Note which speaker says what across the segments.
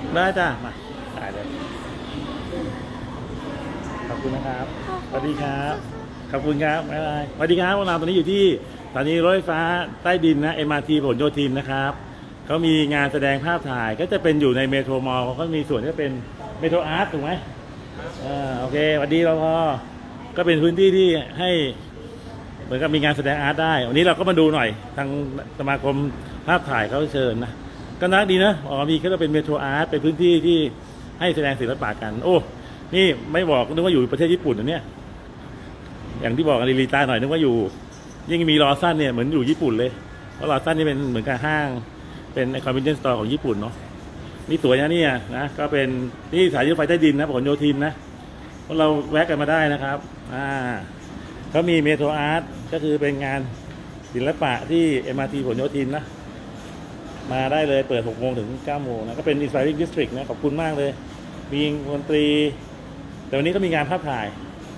Speaker 1: ได้จ้ะมาได้เลยขอบคุณนะครับสวัสดีครับขอบคุณครับบ๊ายบายสวัสดีครับพวกเราตอนนี้อยู่ที่สถานีรถไฟฟ้าใต้ดินนะ MRT ผลโยธินนะครับเขามีงานแสดงภาพถ่ายก็จะเป็นอยู่ในเมโทรมอลล์เขาก็มีส่วนที่เป็นเมโทรอาร์ตถูกไหมโอเคสวัสดีเราพอก็เป็นพื้นที่ที่ให้เหมือนกับมีงานแสดงอาร์ตได้วันนี้เราก็มาดูหน่อยทางสมาคมภาพถ่ายเขาเชิญนะก็น่าดีนะมีก็จะเป็นเมโทรอาร์ตเป็นพื้นที่ที่ให้แสดงศิลปะกันโอ้นี่ไม่บอกนึกว่าอยู่ประเทศญี่ปุ่นนะเนี่ยอย่างที่บอกกันลีตาหน่อยนึกว่าอยู่ยิ่งมีลอซันเนี่ยเหมือนอยู่ญี่ปุ่นเลยเพราะลอซันนี่เป็นเหมือนกับห้างเป็นคอนเวนชั่นสโตร์ของญี่ปุ่นเนาะนี่สวยนะเนี่ยนะก็เป็นนี่สายรถไฟใต้ดินนะผลโยธินนะพวกเราแวะกันมาได้นะครับเขามีเมโทรอาร์ตก็คือเป็นงานศิลปะที่ MRT ผลโยธินนะมาได้เลยเปิด 6 โมงถึง 9 โมงนะก็เป็น Inspiring District นะขอบคุณมากเลยมีดนตรีแต่วันนี้ก็มีงานภาพถ่าย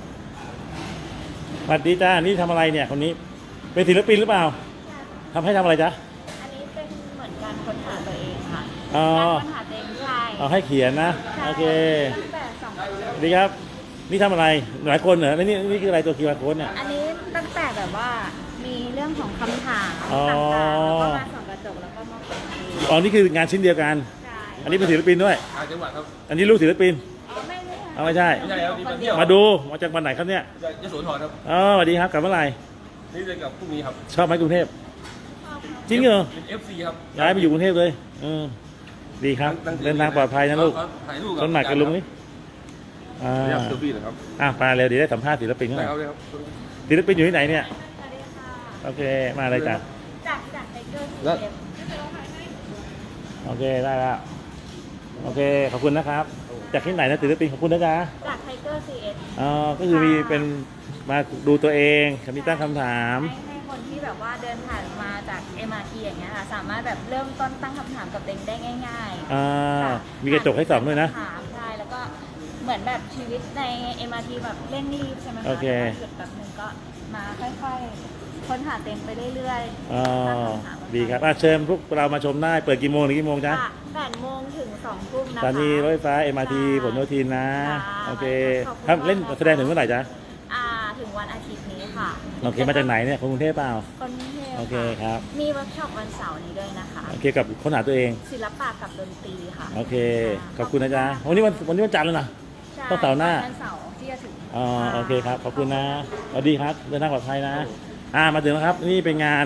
Speaker 1: สวัสดีจ้านี่ทำอะไรเนี่ยคนนี้เป็นศิลปินหรือเปล่าทำให้ทำอะไรจ๊ะ
Speaker 2: อันนี้เป็นเหมือนการค้นหาตัวเองค่ะ
Speaker 1: อ๋อ
Speaker 2: การค้นหาตัวเองใช่
Speaker 1: เอาให้เขียนนะโอเค
Speaker 2: ตั้งแต่2 ปี
Speaker 1: สวัสดีครับนี่ทำอะไรหลายคนเหรอแล้วนี่คืออะไรตัวQR codeเนี่ย
Speaker 2: อันนี้ตั้งแต่แบบว่ามีเรื่องของคำถามต่างๆแล้วก็มาส่องกระจกแล้วก็มาเปิดเพลง
Speaker 1: อ๋อนี่คืองานชิ้นเดียวกัน
Speaker 2: ใช่
Speaker 1: อันนี้เป็นศิลปินด้วย
Speaker 3: จังหวัดครับ
Speaker 1: อันนี้ลูกศิลปิน
Speaker 2: ไม่
Speaker 1: เอาไม่ใช่
Speaker 3: ไม่ใช่ครับนี่มาเที่ยว
Speaker 1: มาดูมาจากวันไหนครับเนี่ย
Speaker 3: ยโสธรครับ
Speaker 1: อ๋อสวัสดีครับกลับเมื่อไหร่
Speaker 3: นี่จะกับพรุ่งนี้ครับ
Speaker 1: ชอบไหมกรุงเทพจริงเหรอ
Speaker 3: เป็น FC ครับ
Speaker 1: ย้ายไปอยู่กรุงเทพเลยดีครับเดินทางปลอดภัยนะลูก
Speaker 3: ถ่ายรูป
Speaker 1: ต้นหนักกับลุงนี่
Speaker 3: เรียกเซอร์ฟี่นะครับ
Speaker 1: ไปเร็วเดี๋ยวได้สัมภาษณ์ศิลปินเขาหน่อยศิลปินอยู่ที่ไหนเนี่ยโอเคมาเลยจ้ะ
Speaker 2: จากไทเกอร์ซีเอฟ
Speaker 1: โอเคได้แล้วโอเคขอบคุณนะครับจากที่ไหนนะศิลปินขอบคุณนะจ๊ะ
Speaker 2: จากไทเกอร์ซีเอฟ
Speaker 1: ก็คือมีเป็นมาดูตัวเองมีตั้งคำถาม
Speaker 2: ให้คนที่แบบว่าเดินผ่านมาจาก MRT อย่างเงี้ยค่ะสามารถแบบเริ่มต้นตั้งคำถามกับตัวเองได้ง่าย
Speaker 1: มีกระจกให้ส่องด้วยนะ
Speaker 2: ถามใช่แล้วก็เหมือนแบบชีวิตใน MRT แบบเร่งรีบใช่ไหมคะ
Speaker 1: โอเค
Speaker 2: หยุดแบบนึงก็มาค่อยๆค้นหาเต็มไปเรื่อย
Speaker 1: ๆดีครับเชิญพวกเรามาชมได้เปิดกี่โมงถึงกี่โมงจ๊ะ
Speaker 2: 8 โมงถึง 2 ทุ่มนะคะ
Speaker 1: สถานีรถไฟฟ้า MRT ผลโยธินนะโอเคครับเล่นแสดงถึงเมื่อไหร่จ๊ะ
Speaker 2: ถึงวันอาทิตย์นี้ค่ะ
Speaker 1: โอเคมาจากไหนเนี่ยคนกรุงเทพเปล่า
Speaker 2: คนกรุงเทพ
Speaker 1: โอเคครับ
Speaker 2: มีเวิร์กช็อปวันเสาร์นี้ด้วยนะคะ
Speaker 1: โอเคกับค้นหาตัวเอง
Speaker 2: ศิลปะกับดนตรีค่ะ
Speaker 1: โอเคขอบคุณนะจ๊ะวันนี้วันจันทร์แล้วนะต้องเสาร์หน้า
Speaker 2: วันเสาร์ที่จะถึง
Speaker 1: โอเคครับขอบคุณนะสวัสดีครับเดินทางปลอดภัยนะมาถึงแล้วครับนี่เป็นงาน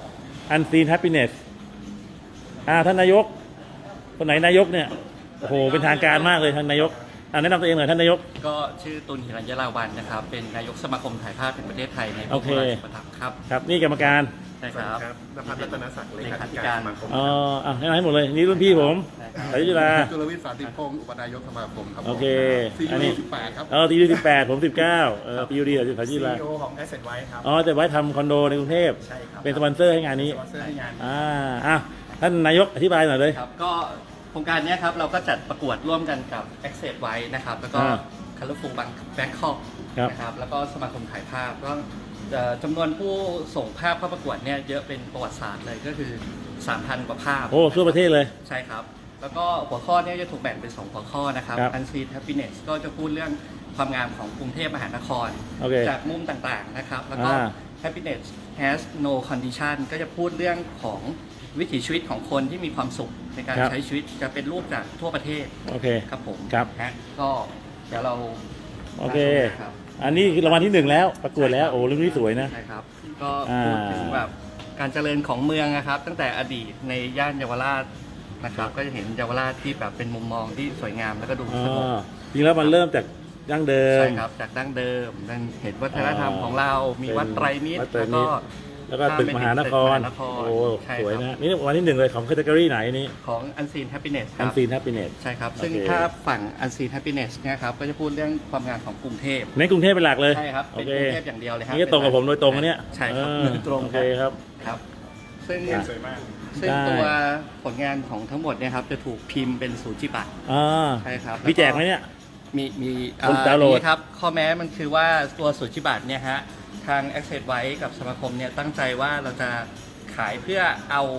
Speaker 1: Unseen Happiness ท่านนายกคนไหนนายกเนี่ยโอ้โหเป็นทางการมากเลยท่านนายกแนะนำตัวเองหน่อยท่านนายก
Speaker 4: ก็ชื่อตุลหิรัญญราวัลย์นะครับเป็นนายกสมาคมถ่ายภาพแห่งประเทศไทยในพระบรมราชูปถัมภ์ครับ
Speaker 1: ครับนี่กรรมการ
Speaker 4: ใช่ครับ
Speaker 3: นภัสรัตนศักดิ์เลขาธิ
Speaker 4: การ
Speaker 3: สมาคม
Speaker 1: แนะนำให้หมดเลยนี่รุ่นพี่ผมสายจุฬา
Speaker 3: จุลวิทย์สาธิตพงศ์อุปนายกสมาคมครับ
Speaker 1: โอเค
Speaker 3: อันนี้18ครับ
Speaker 1: TU 18ผม19PUD สายจุฬา
Speaker 3: CEO ของ Asset White ครับ
Speaker 1: แต่ไว้ทำคอนโดในกรุงเทพ
Speaker 3: ใช่ครับ
Speaker 1: เป็นสปอนเซอร์ให้งานนี้
Speaker 3: สปอนเซอร์ให้งาน
Speaker 1: ท่านนายกอธิบายหน่อยเลย
Speaker 4: ครับก็โครงการนี้ครับเราก็จัดประกวดร่วมกันกับ Access ไว้นะครับแล้วก็ Colorful Bangkok นะครับแล้วก็สมาคมถ่ายภาพก็จำนวนผู้ส่งภาพเข้าประกวดเนี่ยเยอะเป็นประวัติศาสตร์เลยก็คือ 3,000 กว่าภาพ
Speaker 1: ทั่วประเทศเลย
Speaker 4: ใช่ครับแล้วก็หัวข้อเนี่ยจะถูกแบ่งเป็น2หัวข้อนะครับ Unseen Happiness ก็จะพูดเรื่องความงามของกรุงเทพมหานครจากมุมต่างๆนะครับแล้วก็ Happiness has no condition ก็จะพูดเรื่องของวิถีชีวิตของคนที่มีความสุขในการใช้ชีวิตจะเป็นรูปจากทั่วประเทศ
Speaker 1: โอเค
Speaker 4: ครับผม
Speaker 1: ครับ
Speaker 4: ก็เดี๋ยวเรา
Speaker 1: โอเคอันนี้คือรางวัลที่1แล้วประกวดแล้วโอ้เรื่องนี้สวยนะ
Speaker 4: ใช่ครับก็พูดถึงแบบการเจริญของเมืองนะครับตั้งแต่อดีตในย่านเยาวราชนะครับก็จะเห็นเยาวราชที่แบบเป็นมุมมองที่สวยงามแล้วก็ดูสงบ
Speaker 1: จริงแล้วมันเริ่มจากดั้งเดิม
Speaker 4: ใช่ครับจากดั้งเดิมเห็นวัฒนธรรมของเรามีวัดไตรมิตร
Speaker 1: แล้วก็ตึกมหานครโอ้สวยนะนี่วันที่1เลยของแคตตากรีไหนนี่
Speaker 4: ของ Unseen Happiness ครับ
Speaker 1: Unseen Happiness
Speaker 4: ใช่ครับซึ่งถ้าฝั่ง Unseen Happiness เนี่ยครับก็จะพูดเรื่องความงามของกรุงเทพ
Speaker 1: ในกรุงเทพเป็นหลักเลย
Speaker 4: ใช่ครับเป็นกรุงเทพอย่างเดียวเลยครับ
Speaker 1: นี่ตรงกับผมโดยตรงเนี่ย
Speaker 4: ใช่ครับตรง
Speaker 1: โอเคครับ
Speaker 4: ซึ่ง
Speaker 3: สวยมาก
Speaker 4: ซึ่งตัวผลงานของทั้งหมดเนี่ยครับจะถูกพิมพ์เป็นสูจิบัตรใช่ครับ
Speaker 1: มีแจกไหมเนี่ย
Speaker 4: มี
Speaker 1: ดาวน์โหลด
Speaker 4: ครับข้อแม้มันคือว่าตัวสูจิบัตรเนี่ยฮะทาง Access ไว้กับสมาคมเนี่ยตั้งใจว่าเราจะขายเพื่อเอา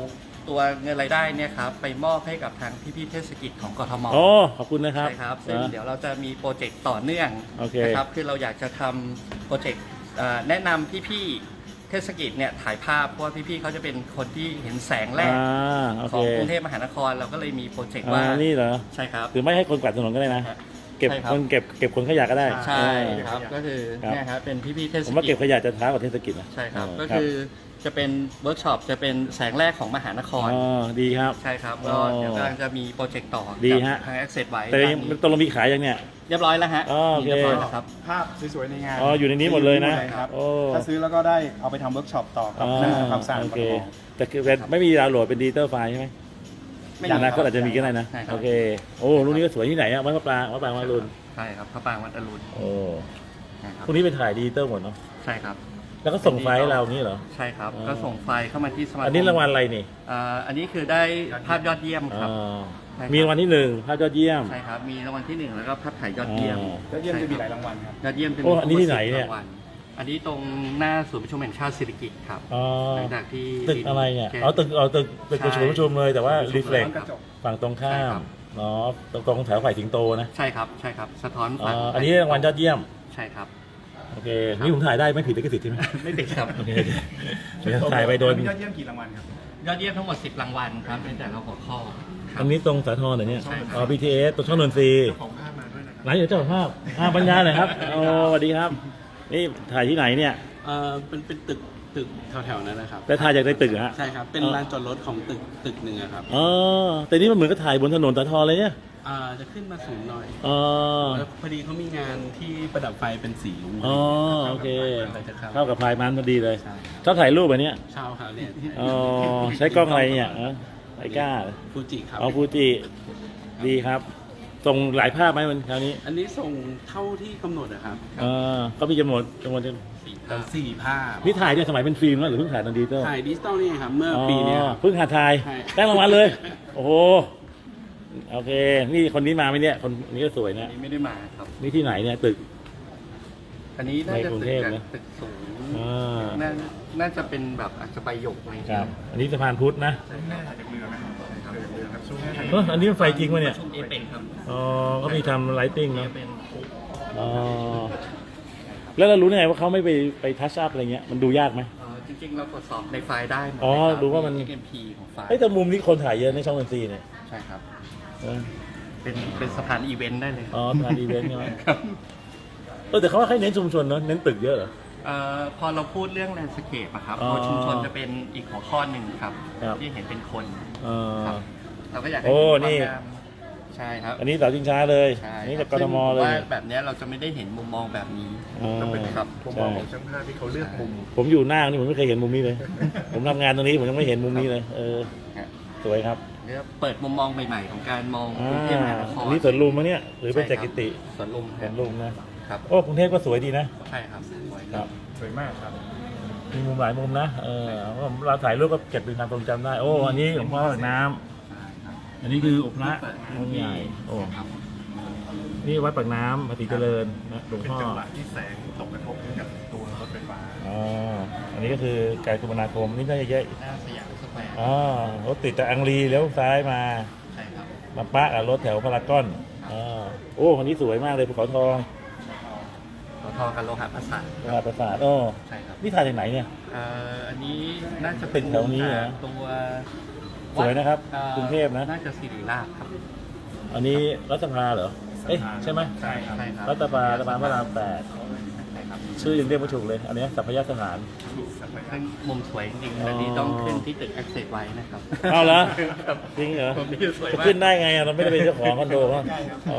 Speaker 4: ตัวเงินรายได้เนี่ยครับไปมอบให้กับทางพี่ๆเทศกิจของกทม
Speaker 1: โอ้ขอบคุณนะครับ
Speaker 4: ใช่ครับซึ่งเดี๋ยวเราจะมีโปรเจกต์ต่อเนื่อง
Speaker 1: โอเค
Speaker 4: นะครับคือเราอยากจะทำโปรเจกต์แนะนำพี่ๆเทศกิจเนี่ยถ่ายภาพเพราะว่าพี่ๆเขาจะเป็นคนที่เห็นแสงแรก
Speaker 1: โอ
Speaker 4: ข
Speaker 1: เค
Speaker 4: องกรุงเทพมหานครเราก็เลยมีโปรเจกต์ว่า
Speaker 1: นี่เหรอ
Speaker 4: ใช่ครับ
Speaker 1: หรือไม่ให้คนกวาดถนนก็ได้นะ
Speaker 4: ฮะ
Speaker 1: เก็บ
Speaker 4: ใช่ครับ
Speaker 1: คนเก็บคนขยะก็ได้
Speaker 4: ใช่ครับ
Speaker 1: เออ
Speaker 4: ก็คือ
Speaker 1: ครับ
Speaker 4: เนี่ยครับเป็นพี่ๆเทศ
Speaker 1: ผมว่า
Speaker 4: กิ
Speaker 1: เก็
Speaker 4: จ
Speaker 1: บขยะจะช้ากว่าเทศกิจนะ
Speaker 4: ใช่ครับ
Speaker 1: เ
Speaker 4: ก็คือจะเป็นเวิร์กช็อปจะเป็นแสงแรกของมหานคร
Speaker 1: อ๋อดีครับ
Speaker 4: ใช่ครับ
Speaker 1: อ๋
Speaker 4: ก็
Speaker 1: อ
Speaker 4: เดี๋ยวกำลังจะมีโปรเจกต์ต่อ
Speaker 1: ดี
Speaker 4: กับ
Speaker 1: ฮะ
Speaker 4: ทาง Access ไว้
Speaker 1: แต่
Speaker 4: ตอนนี้
Speaker 1: ตกลงมีขายยังเนี่ย
Speaker 4: เรียบร้อยแล้วฮะ
Speaker 1: อ๋อโอเค
Speaker 4: เรียบร้อยแล้วครับ
Speaker 3: ภาพสวยๆในงาน
Speaker 1: อ๋ออยู่ในนี้หมดเลยนะ
Speaker 3: ครับ
Speaker 1: โอ้
Speaker 3: ถ้าซื้อแล้วก็ได้เอาไปทำเวิร์กช็อปต่อกับคณะความสะอาด
Speaker 1: โอ
Speaker 3: ของ
Speaker 1: เค
Speaker 3: กทม
Speaker 1: แต่คือไม่มีดาวน์โหลดเป็นดิจิตอลไฟล์ใช่ไหม
Speaker 4: ไม่
Speaker 1: อย่างนั้น
Speaker 4: ค
Speaker 1: ก็
Speaker 4: รับ
Speaker 1: อาจจะมีก็ได้นะ
Speaker 4: ใช่ครับ
Speaker 1: โอเคโอ้รุ่นนี้ก็สวยที่ไหนอะวัดพระปรางวัดรุน
Speaker 4: ใช่ครับพระปรางวัดอรุณ
Speaker 1: โอ้
Speaker 4: นะครับ
Speaker 1: พวกนี้ไปถ่ายดิจิตอลหมดเนาะ
Speaker 4: ใช่ครับ
Speaker 1: แล้วก็ส่งไฟล์ให้เราอย่างนี้เหรอ
Speaker 4: ใช่ครับ
Speaker 1: อ๋อ
Speaker 4: ก็ส่งไฟล์เข้ามาที่สมาคม
Speaker 1: อันนี้รางวัลอะไรนี่
Speaker 4: อันนี้คือได้ภาพยอดเยี่ยมครับ
Speaker 1: อ๋อ
Speaker 4: ใช่ครับ
Speaker 1: มีรางวัลที่หนึ่งภาพยอดเยี่ยม
Speaker 4: ใช่ครับมีรางวัลที่ 1 แล้วก็ภาพถ่ายยอดเยี่ยม
Speaker 1: อ๋อ
Speaker 3: แล้วเยี่ยมจะมีหลายรางวัลครับ
Speaker 4: ยอดเยี่ยมจะมี
Speaker 1: โอ้อันนี้ที่ไหนเนี่ย
Speaker 4: รางวัลอันนี้ตรงหน้าศูนย์ประชุมแห่งชาติสิริกิติ์ครับ
Speaker 1: อ๋อ
Speaker 4: หลังจากที่
Speaker 1: ตึกอะไรเนี่ย
Speaker 4: แค่
Speaker 1: ตึกประชุมเลยแต่ว่า
Speaker 4: ตึกประชุม
Speaker 1: รีเฟล็ก
Speaker 3: กระจก
Speaker 1: ฝั่งตรงข้า
Speaker 4: ใช่ค
Speaker 1: ม
Speaker 4: รับ
Speaker 1: เนาะตรงแถวฝ่ายสิงโตนะ
Speaker 4: ใช่ครับใช่ครับสะท้อน
Speaker 1: อ๋อ
Speaker 4: ฝั่ง
Speaker 1: อันนี้รางวัลยอดเยี่ยม
Speaker 4: ใช่ครับ
Speaker 1: โอเคนี่ผมถ่ายได้ไม่ผิดลิขสิทธิ์ใช่ไหม
Speaker 4: ไม่ติดครับ
Speaker 1: โอเคเดี๋ยวถ่ายไปโดน
Speaker 3: มียอดเยี่ยมกี่รางวัลครับ
Speaker 4: ยอดเยี่ยมทั้งหมด 10 รางวัลครับเป็นแต่ละหัวข้อครับ
Speaker 1: อันนี้ตรงสาทรเหรอเนี่ย
Speaker 4: ใช่ครับ
Speaker 1: อ๋อ BTS ตรงช่องนนทรีย์
Speaker 3: ของภาพมาด้วยนะครับ
Speaker 1: ไหนเดี๋ยวเจ้าของภาพบรรยายหน่อยครับโอ้สวัสดีครับ นี่ถ่ายที่ไหนเนี่ย
Speaker 5: เป็นตึกแถวๆนั้นนะครับ
Speaker 1: แต่ถ่ายจากในตึกเหรอฮะ
Speaker 5: ใช่ครับ เป็นลานจอดรถของตึกหนึ่งอะครับ
Speaker 1: อ๋อแต่นี่มันเหมือนกับถ่ายบนถนนสาทรเลยเนี่ย
Speaker 5: จะขึ้นมาสูงหน่อย
Speaker 1: อ๋อ
Speaker 5: แล้วพอดีเขามีงานที่ประดับไฟเป็นสีรุ้ง
Speaker 1: อ๋อโอเค
Speaker 5: อะไรจะเข้า
Speaker 1: เข้ากับพายมันพอดีเลย
Speaker 5: ใช่
Speaker 1: ชอบถ่ายรูปแบบเนี้ย
Speaker 5: เช่าครับเนี่ย
Speaker 1: อ๋อใช้กล้องอะไรเนี่ยไอ้ก้า
Speaker 5: ฟูจิครับ
Speaker 1: อ๋อฟูจิดีครับ ส่งหลายภาพไหมวันคราวนี้
Speaker 5: อันนี้ส่งเท่าที่กำหนดนะครับ
Speaker 1: ก็มีจำนวน
Speaker 5: สี่ภาพ
Speaker 1: นี่ถ่ายเนี่ยสมัยเป็นฟิล์มแล้วหรือเพิ่งถ่ายตอนดิจิตอล
Speaker 5: ถ่ายดิจิตอลนี่ครับ เมื่อปีเนี้ยครับ
Speaker 1: เพิ่งหาถ่าย
Speaker 5: ใช่
Speaker 1: ได้รางวัลเลย โอ้โหโอเค นี่คนนี้มาไหมเนี่ยคนนี้ก็สวย
Speaker 4: อั
Speaker 1: นะ
Speaker 4: นนี้ไม่ได้มาครับ
Speaker 1: นี่ที่ไหนเนี่ยตึก
Speaker 4: อันนี้น่าจะ
Speaker 1: ในกรุง
Speaker 4: ตึ
Speaker 1: เท
Speaker 4: ก
Speaker 1: พ
Speaker 4: จาก
Speaker 1: นะ
Speaker 4: ตึกสูง
Speaker 1: อ่า
Speaker 4: น่าจะเป็นแบบอาจจะใบหยกอะไรอย่าง
Speaker 1: ค
Speaker 4: เงี้
Speaker 1: รั
Speaker 4: ย
Speaker 1: บ อันนี้สะพานพุทธนะ
Speaker 3: แม่ถ่ายจากเรือไหมถ่ายจากเรือครับช่วงแม่ถ่าย
Speaker 1: อันนี้มันไฟจริงวะเนี่ย
Speaker 4: ประชุมเอเปกครับ
Speaker 1: อ๋อก็มีทำไลติ้ง
Speaker 4: เอ
Speaker 1: เนาะ
Speaker 4: เป็น
Speaker 1: อ๋อแล้วเรารู้ได้ไงว่าเขาไม่ไปทัชอัพอะไรเงี้ยมันดูยากไหม
Speaker 4: จริงๆเราตรวจสอบในไฟล์ได้หมด
Speaker 1: อ๋อ
Speaker 4: เลยครับ
Speaker 1: ดูว่ามัน
Speaker 4: XMP ของไฟล์
Speaker 1: เอ้ยแต่มุมนี้คนถ่ายเยอะในช่องดนตรีเนี่ย
Speaker 4: ใช่ครับ
Speaker 1: เออ
Speaker 4: เป็นสะพานอีเวนต์ได้เลย
Speaker 1: อ๋อสถานอีเวนต์ใช่ไหม
Speaker 4: ครับ
Speaker 1: แต่เขาว่าให้เน้นชุมชนเนาะเน้นตึกเยอะเหรอ
Speaker 4: พอเราพูดเรื่องแลนด์สเคปอะครับ
Speaker 1: อ๋อ
Speaker 4: โพชุมชนจะเป็นอีกหัวข้อหนึ่งครับ
Speaker 1: ครับ
Speaker 4: ที่เห็นเป็นคน
Speaker 1: เออ
Speaker 4: ครับเราก็อยากให้
Speaker 1: โอ้
Speaker 4: เห็นความ
Speaker 1: นี่
Speaker 4: งามใช่ครับ
Speaker 1: อันนี้เสาชิงช้าเลย
Speaker 4: ใช่
Speaker 1: นี่
Speaker 4: ครั
Speaker 1: จาก
Speaker 4: บ
Speaker 1: กทมเล
Speaker 4: ซึ่งผว่าย แบบเนี้ยเราจะไม่ได้เห็นมุมมองแบบนี้
Speaker 1: อ๋อ
Speaker 3: ต้องเป็น
Speaker 4: ครับ
Speaker 3: มุมมองของช่างภาพที่เขาเลือกมุม
Speaker 1: ผมอยู่หน้านี่ผมไม่เคยเห็นมุมนี้เลย ผมทำงานตรงนี้ผมยังไม่เห็นมุมนี้เลย เออ
Speaker 4: ครับ
Speaker 1: สวยครับ
Speaker 4: เรียกว่าเปิดมุมมองใหม่ๆ ของการมอง
Speaker 1: อ่าก
Speaker 4: รุงเทพมหานคร
Speaker 1: อันนี้สวนลุมมะเนี่ยหรือเป็น
Speaker 4: ใช่
Speaker 1: แจ
Speaker 4: ครับ
Speaker 1: กิติ
Speaker 4: สวนลุม
Speaker 1: สวนลุมนะ
Speaker 4: ครับ
Speaker 1: โอ้กรุงเทพก็สวยดีนะ
Speaker 4: ใช่ครับสวย
Speaker 1: ครับ
Speaker 3: สวยมากครับ
Speaker 1: มีมุมหลายมุมนะเราถ่ายรูปก็เก็บเป็นความทรงจำได้ โอ้อันนี้หลวงพ่อปากน้ำ
Speaker 4: ใช่ครับ
Speaker 1: อันนี้คือพระ
Speaker 4: เปิด
Speaker 1: องค์ใหญ่โอ้
Speaker 4: ครับ
Speaker 1: นี่วัดปากน้ำปฏิเจริญนะหลวง
Speaker 3: เป็น
Speaker 1: พ่อ
Speaker 3: จังหวะที่แสงตกกระทบกับตัวรถไฟฟ้า
Speaker 1: อ๋ออันนี้ก็คือการคมนาคมนี่น่าจะเยอะ
Speaker 4: หน้าสยามสแควร์
Speaker 1: อ๋อรถติดจากอังรีเลี้ยวซ้ายมา
Speaker 4: ใช่ครับ
Speaker 1: มาปะกับรถแถวพารากอนอ๋อโอ้คนนี้สวยมากเลยภูเขาทอง
Speaker 4: สทกับโลหะประสาท
Speaker 1: ตลาดประสาทโอ้
Speaker 4: ใช่ครับ
Speaker 1: นี่ถ่ายจากไหนเนี่ย
Speaker 4: อันนี้น่าจะ
Speaker 1: ตึกแถวนี้เหรอ
Speaker 4: ตัว
Speaker 1: สวยนะครับ
Speaker 4: อ่าก
Speaker 1: รุงเทพนะ
Speaker 4: น่าจะศิริราชครับ
Speaker 1: อันนี้รัฐสภาเหรอเอ๊ะใช่ไหม
Speaker 3: ใช่ครับ
Speaker 4: ใช่ครับ
Speaker 1: รัฐสภาพระรามแปด
Speaker 4: ใช่ครับ
Speaker 1: ชื่อยังเรียกไม่ถูกเลย อันนี้สัพยาสถาน
Speaker 4: ซึ่งมุมสวยจริง
Speaker 1: อ๋อ
Speaker 4: ๆอันนี้ต้องขึ้นที่ตึก Access ไว้นะครับ
Speaker 1: เอาเหรอ
Speaker 4: ครับ
Speaker 1: จริงเหรอ
Speaker 4: มุมนี้สวย
Speaker 1: จะ
Speaker 4: มาก
Speaker 1: ขึ้นได้ไงอะเราไม่ได้เป็นเจ้าของคอนโดเขาอ๋อ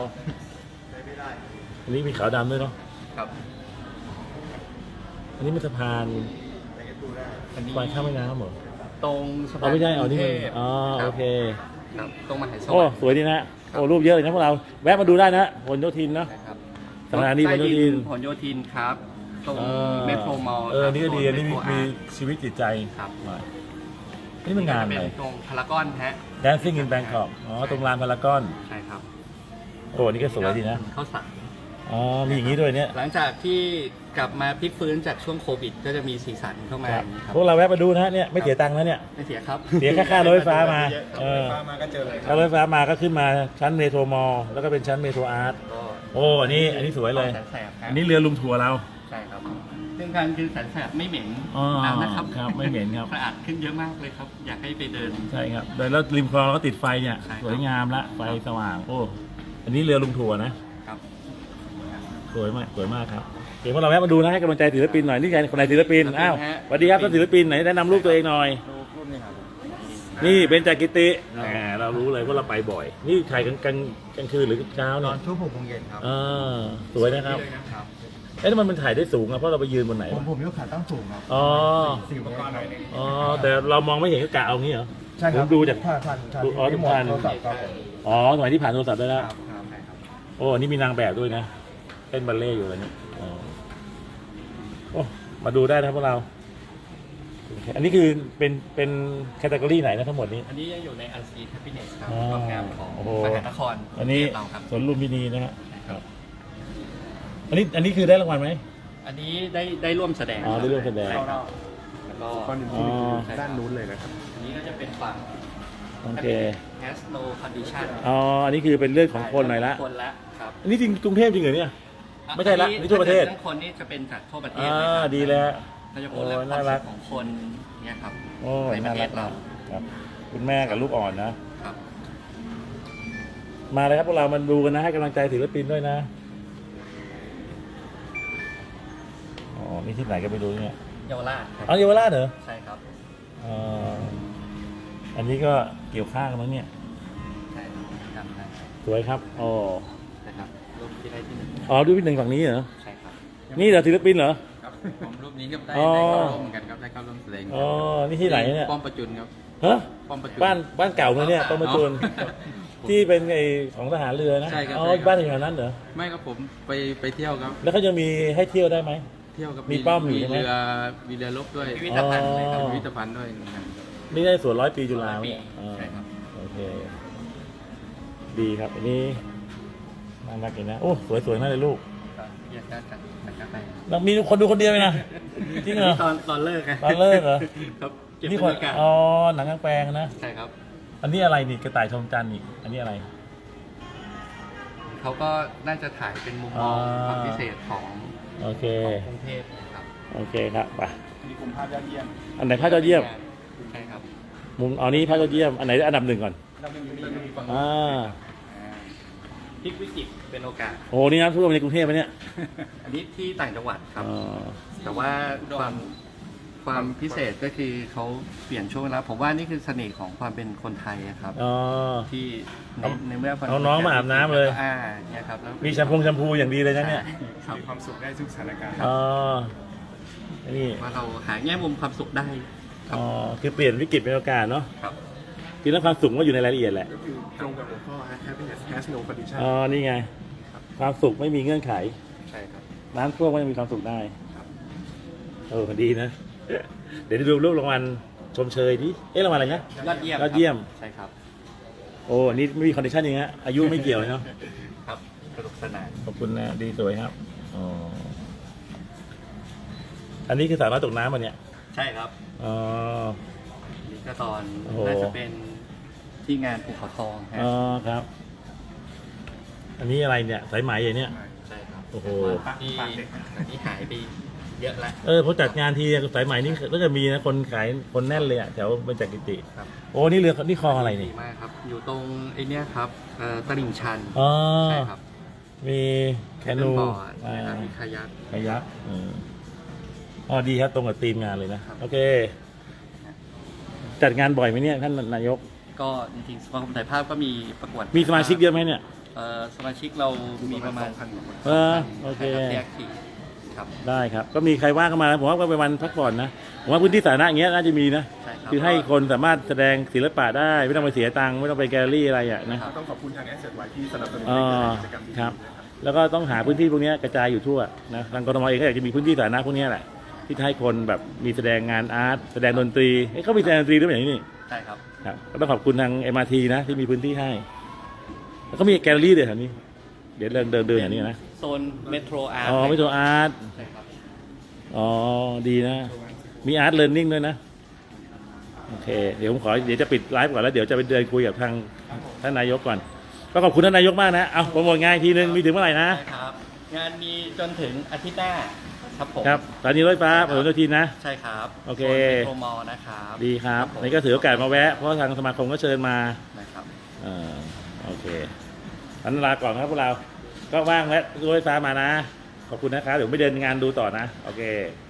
Speaker 1: อันนี้มีขาวดำด้วยเนาะ
Speaker 4: ครับ
Speaker 1: อันนี้เป็นสะพาน
Speaker 4: อันนี้
Speaker 1: ควายข้ามแม่น้ำเหรอ
Speaker 4: ตรงสะพา
Speaker 1: อ๋อนไม่ใช่อ๋อนี่มัน
Speaker 4: กรุงเทพ
Speaker 1: อ๋อ
Speaker 4: ครับ
Speaker 1: โอเค
Speaker 4: ครับตรงมหาส
Speaker 1: โอ้
Speaker 4: วัสดิ์
Speaker 1: สวยดีนะโอ้รูปเยอะเลยนะพวกเราแวะมาดูได้นะผลโยธินเนาะ
Speaker 4: นะครับ
Speaker 1: สถานีพหลโยธิน
Speaker 4: ผลโยธินครับ ตรง
Speaker 1: อ่า
Speaker 4: เมโทรมอลล์
Speaker 1: นี่ก็ดีอันนี้มีชีวิตจิตใจ
Speaker 4: ครับ
Speaker 1: นี่มันงาน
Speaker 4: จะ
Speaker 1: อะไร
Speaker 4: เป็นตรงพารากอนฮะ
Speaker 1: Dancing in Bangkok อ๋อตรงลานพารากอน
Speaker 4: ใช่ครับ
Speaker 1: โอ้นี่ก็สวยดีนะ
Speaker 4: ข้าวสาร
Speaker 1: อ๋อมีอย่างนี้ด้วยเนี่ย
Speaker 4: หลังจากที่กลับมาพลิกฟื้นจากช่วงโควิด ก็จะมีสีสันเข้ามา
Speaker 1: ครับ
Speaker 4: อย่างนี้ครับ
Speaker 1: พวกเราแวะมาดูนะฮะเนี่ยไม่เสียตังค์นะเนี่ย
Speaker 4: ไม่เสียครับ
Speaker 1: เสียแค่ค่ารถไฟฟ้ามา
Speaker 3: เยอะครับ
Speaker 1: เอ
Speaker 3: รถ
Speaker 1: อ
Speaker 3: ไฟฟ้ามาก็เจอเลยค
Speaker 1: ถ้า
Speaker 3: รับ
Speaker 1: รถไฟฟ้ามาก็ขึ้นมาชั้นเมโทรมอลล์แล้วก็เป็นชั้นเมโทรอาร์ต
Speaker 4: ก็
Speaker 1: โอ้อันนี้สวยเลย
Speaker 4: แสบๆครับ
Speaker 1: อันนี้เรือลุมทัวร์เรา
Speaker 4: ใช่ครับซึ่งการคือแสบๆไม่เหม็น
Speaker 1: อ๋อ
Speaker 4: นะครับ
Speaker 1: ครับไม่เหม็นครับ
Speaker 4: สะอาดขึ้นเยอะมากเลยครับ อยากให้ไปเดิน
Speaker 1: ใช่ครับโดยแล้วริมคลองเราก็ติดไฟเนี่ย
Speaker 4: ใช่ครับ
Speaker 1: สวยงามละไฟสว่างโอ้อันนี้เรือลุมทัวร์นะครับ สวยมากครับเดี๋ยวพวกเราแวะมาดูนะให้กำลังใจศิลปินหน่อยนี่ไงคนไหนศิลปินอ้าวสวัสดีครับท่านศิลปินไหนแนะนำรูปตัวเองหน่อย
Speaker 4: รูปนี้ครับ
Speaker 1: นี่เบญจกิติแหมเรารู้เลยว่าเราไปบ่อย นี่ถ่ายกลางคืนหรือเช้า
Speaker 3: ต
Speaker 1: เนี่
Speaker 3: อย นช่วง6 โมงเย็นครับ
Speaker 1: สวยนะครับ
Speaker 3: ครับ
Speaker 1: เอ๊ะทำไมมันถ่ายได้สูงอ่ะเพราะเราไปยืนบนไหน
Speaker 3: ผมยกขาตั้งสูงครับ
Speaker 1: อ๋อ
Speaker 3: 4 อุปกรณ์หน่อยนึง
Speaker 1: อ๋อแต่เรามองไม่เห็นก็กะเอางี้เหรอ
Speaker 3: ใช่ครับ
Speaker 1: ผมดูจาก
Speaker 3: ทัน
Speaker 1: อ๋อ
Speaker 3: ที่หมด
Speaker 1: ทัน
Speaker 3: โทรศัพท์ครับผม
Speaker 1: อ๋อสมัยที่ผ่านโทรศัพท์ได้แล้ว
Speaker 3: ครับใช่ครับ
Speaker 1: โอ้อันนี้มีนางแบบด้วยนะเต้นบัลเล่ต์อยู่อะไรเนี่ยอ๋อโอ้มาดูได้นะครับพวกเราโอเคอันนี้คือเป็นแคตตากรีไหนนะทั้งหมดนี้
Speaker 4: อันนี้ยังอยู่ใน Unseen Happiness ครับ
Speaker 1: อ๋อ
Speaker 4: ความงามของ
Speaker 1: โอ้โห
Speaker 4: มหานคร
Speaker 1: อันนี้
Speaker 4: เราครับ
Speaker 1: สวนลุมพินีนะฮะครับอันนี้คือได้รางวัลไหม
Speaker 4: อันนี้ได้ร่วมแสดง
Speaker 1: อ๋อได้ร่วมแสดง
Speaker 4: ใช่ครับแล้วก็
Speaker 3: ก้อนหนึ่ง
Speaker 1: อ๋
Speaker 3: ที่
Speaker 1: อ
Speaker 3: ด้านนู้นเลยนะครับ
Speaker 4: อันนี้ก็จะเป็นฝั่ง
Speaker 1: โอเค
Speaker 4: has no condition
Speaker 1: อ๋ออันนี้คือเป็นเรื่องของคนหน่อยละ
Speaker 4: คนละครับ
Speaker 1: อันนี้จริงกรุงเทพจริงเหรอเนี่ย ไม่ใช่ละนี่ทั่วประเทศ
Speaker 4: เรื่องคนนี่จะเป็นจากทั่วประเทศ
Speaker 1: อ่า
Speaker 4: เลยครับ
Speaker 1: ดีแล้ว
Speaker 4: เราจะพูดเรื่อง
Speaker 1: โอ้
Speaker 4: ความ
Speaker 1: น่ารั
Speaker 4: สุ
Speaker 1: ก
Speaker 4: ขของคนเนี่ยครับ
Speaker 1: โอ้
Speaker 4: ในประ
Speaker 1: น่า
Speaker 4: เท
Speaker 1: รั
Speaker 4: ศ
Speaker 1: ก
Speaker 4: เรา
Speaker 1: ครับคุณแม่กับลูกอ่อนนะ
Speaker 4: ครับ
Speaker 1: มาเลยครับพวกเรามันดูกันนะให้กำลังใจศิลปินด้วยนะอ๋อนี่ที่ไหนก็ไปดูเนี่ย
Speaker 4: เยาวราชครับ
Speaker 1: เอาเยาวราชเหรอ
Speaker 4: ใช่ครับ
Speaker 1: อ๋ออันนี้ก็เกี่ยวข้าวกันแล้วเนี่ย
Speaker 4: ใช่จำได้
Speaker 1: สวยครับอ๋อ
Speaker 4: นะครับรูปที่ได้ที่หนึ่ง
Speaker 1: อ๋อดูพี่หนึ่งฝั่งนี้เหรอ
Speaker 4: ใช่ครับ
Speaker 1: นี่เหรอศิลปินเหรอ
Speaker 5: ครับผมรูปนี้ก็ได้
Speaker 1: อ๋อ
Speaker 5: เข้าร่วมเหมือนกันครับได้เข้าร่วมแสดง
Speaker 1: อ๋อนี่ที่ไหนเนี่ย
Speaker 5: ป้อมประจุนครับ
Speaker 1: ฮะ
Speaker 5: ป้อมประจุน
Speaker 1: บ้านเก่าเลยเนี่ยต้นมะจูน
Speaker 5: ครับ
Speaker 1: ที่เป็นไอของทหารเรือนะ
Speaker 5: ใช่ครับ
Speaker 1: อ๋อ
Speaker 5: ใช่ครับ
Speaker 1: บ้านอยู่แถวนั้นเหรอ
Speaker 5: ไม่ครับผมไปเที่ยวครับ
Speaker 1: แล้วเขาจะมีให้เที่ยวได้ไหม
Speaker 5: เที่ยวครับ
Speaker 1: มีป้อมอยู่ใช่ไหม
Speaker 5: มีเรือรบด้วย
Speaker 4: พิพิธภัณฑ์เลยครับ
Speaker 1: อ๋อ
Speaker 5: พิพิธภัณฑ์ด้วยเหมือนกัน
Speaker 1: นี่ได้ส่วน100 ปีจุฬา
Speaker 4: 100 ปี
Speaker 1: เนี่ยอ๋อ
Speaker 4: ใช่ครับ
Speaker 1: โอเค ดีครับ อันนี้น่ารักดีนะ โอ้ สวยๆมากเลยลูก
Speaker 4: ก็แยกกันจากกาแฟ
Speaker 1: แล้วมีคนดูคนเดียวเลยนะ จริงเหรอ
Speaker 4: ตอนเลิกไง
Speaker 1: ตอนเลิกเหรอ
Speaker 4: ครับเก็บ
Speaker 1: นี่
Speaker 4: บ
Speaker 1: ค
Speaker 4: ร
Speaker 1: น
Speaker 4: รยากาศ
Speaker 1: อ๋อ หนังกลางแปลงนะ
Speaker 4: ใช่ครับ
Speaker 1: อันนี้อะไรนี่ กระต่ายชมจันทร์นี่ อันนี้อะไร
Speaker 4: เขาก็น่าจะถ่ายเป็นมุมมอง
Speaker 1: อ่า
Speaker 4: ความพิเศษของ
Speaker 1: โอเค
Speaker 4: กรุงเทพนะครับ
Speaker 1: โอเคครับไป
Speaker 3: มีกลุ่มภาพยอดเยี่ยม
Speaker 1: อันไหนภาพยอดเยี่ยม
Speaker 4: ใช่ครับ
Speaker 1: มุมเอานี้ภาพยอดเยี่ยม อันไหนอันดับหนึ่งก่อน
Speaker 3: เราไม่มีฝั่ง
Speaker 1: อ่า
Speaker 4: พลิกวิกฤตเป็นโอกาส
Speaker 1: โอ้นี่น้ำท่วมในกรุงเทพไหมเนี่ย
Speaker 4: อันนี้ที่ต่างจังหวัดครับ
Speaker 1: อ๋อ
Speaker 4: แต่ว่าความพิเศษก็คือเขาเปลี่ยนช่วงเวลาผมว่านี่คือเสน่ห์ของความเป็นคนไทยอะครับ
Speaker 1: อ๋อ
Speaker 4: ที่ในเมื่อคน
Speaker 1: เอาน้องมาอาบน้ำเลย
Speaker 4: เนี่ยครับแล้ว
Speaker 1: มีแชมพูอย่างดีเลยนะเนี่ย
Speaker 4: ครับ
Speaker 3: มีความสุขได้ทุกสถานการณ์
Speaker 1: อ๋อ นี่
Speaker 4: ว่าเราหาแง่มุมความสุขได้ครับ
Speaker 1: อ๋อ คือเปลี่ยนวิกฤตเป็นโอกาสเนาะ
Speaker 4: ครับ
Speaker 1: จริงแล้วความสุขมันก็อยู่ในรายละเอียดแหละ
Speaker 3: ก็คือตรงกับหัวข้อ happiness has no condition
Speaker 1: อ๋อ นี่ไง ความสุขไม่มีเงื่อนไข
Speaker 4: ใช่ครับ
Speaker 1: น้ำท่วมก็ยังมีความสุขได้ดีนะ เดี๋ยวดูรูปรางวัลชมเชยดิเอ๊ะรางวัลอะไรนะ
Speaker 4: ยอดเยี่ยม
Speaker 1: ยอดเยี่ยม
Speaker 4: ใช่ครับ
Speaker 1: โอ้นี่ไม่มีคอนดิชันอย่างเงี้ยอายุไม่เกี่ยวเลยเนาะ
Speaker 4: ครับสนุกสนาน
Speaker 1: ขอบคุณนะ ดีสวยครับ อ๋อ อันนี้คือสาวน้อยตกน้ำมาเนี่ย
Speaker 4: ใช่ครับ
Speaker 1: อ๋อ
Speaker 4: นี่ก็ตอน
Speaker 1: โอ้โห
Speaker 4: น่าจะเป็นที่งานภูเขาทองฮะ
Speaker 1: อ๋อครับ อันนี้อะไรเนี่ย สายไหมอย่างเนี้ย
Speaker 4: ใช่ครับ
Speaker 1: โอ้โห
Speaker 4: ที่อันนี้หายไปเยอะแล้ว
Speaker 1: พอจัดงานทีสายไหมนี่ก็จะมีนะคนขายคนแน่นเลยอ่ะแถวบรรจักกิติ
Speaker 4: ครับ
Speaker 1: โอ้นี่เรือนี่คลองอะไร
Speaker 4: ดี
Speaker 1: นี่
Speaker 4: มากครับ อยู่ตรงไอ้เนี้ยครับตลิ่งชัน
Speaker 1: อ๋อ
Speaker 4: ใช่ครับ
Speaker 1: มีแคนู
Speaker 4: บอร์ดนะครับมีคายัก
Speaker 1: ขยักอ๋อดีครับตรงกับธีมงานเลยนะ โอเค จัดงานบ่อยไหมเนี่ยท่านนายก
Speaker 4: ก็จริงๆสมาคมถ่ายภาพก็มีประกวด
Speaker 1: มีสมาชิกเยอะไหมเนี่ย
Speaker 4: สมาชิกเรามีประมาณ
Speaker 3: 2,000 กว่าคน
Speaker 1: โอเค
Speaker 4: ใช่รับแยกทีครับ
Speaker 1: ได้ครับ ก็มีใครว่างเข้ามาผมว่าก็เป็นวันพักผ่อนนะผมว่าพื้นที่สาธารณะอย่างเงี้ยน่าจะมีนะ
Speaker 4: ใช่ครับ
Speaker 1: คือให้คนสามารถแสดงศิลปะได้ไม่ต้องไปเสียตังค์ไม่ต้องไปแกลเลอรี่อะไรอ่ะนะ
Speaker 3: ต้องขอบคุณทาง Asset Y ที่สนับสนุน
Speaker 1: อ๋อ
Speaker 3: กิจกรรมดีๆ
Speaker 1: ครับ
Speaker 3: นะครับ
Speaker 1: แล้วก็ต้องหาพื้นที่พวกเนี้ยกระจายอยู่ทั่วนะทางกทมเองก็อยากจะมีพื้นที่สาธารณะพวกเนี้ยแหละที่จะให้คนแบบมีแสดงงานอาร์ตแสดงดนตรีเขามีแสดงดนตรีด้วยอย่างนี้นี่
Speaker 4: ใช่ครับ
Speaker 1: ครับก็ต้องขอบคุณทาง MRT นะที่มีพื้นที่ให้ แล้วก็มีแกลเลอรี่ด้วยแถวนี้ เดี๋ยวเดินอย่างนี้นะ
Speaker 4: โซนเมโทรอาร์ต
Speaker 1: อ๋อไม่ตัวอาร์ต
Speaker 4: ใช่ครับ
Speaker 1: อ๋อดีนะ มีอาร์ตเลิร์นนิ่งด้วยนะ โอเค เดี๋ยวผมขอเดี๋ยวจะปิดไลฟ์ก่อนแล้วเดี๋ยวจะไปเดินคุยกับทางท่านนายกก่อน ก็ขอบคุณท่านนายกมากนะ เอาโปรโมทงานอีกทีนึงมีถึงเมื่อไหร่นะ
Speaker 4: ใช่ครับ งานมีจนถึงอาทิตย์หน้าครับผม
Speaker 1: ครับสถานีรถไฟฟ้าพหลโยธินนะ
Speaker 4: ใช่ครับ
Speaker 1: โอเค
Speaker 4: โซนเมโทรมอลล์นะครับ
Speaker 1: ดีครับ
Speaker 4: ผม
Speaker 1: นี่ก็ถือโอกาสมาแวะ เพราะทางสมาคมก็เชิญมา
Speaker 4: นะครับ
Speaker 1: โอเคอันลาก่อนครับพวกเรา ก็ว่างแวะรถไฟฟ้ามานะ ขอบคุณนะครับ เดี๋ยวไม่เดินงานดูต่อนะ โอเค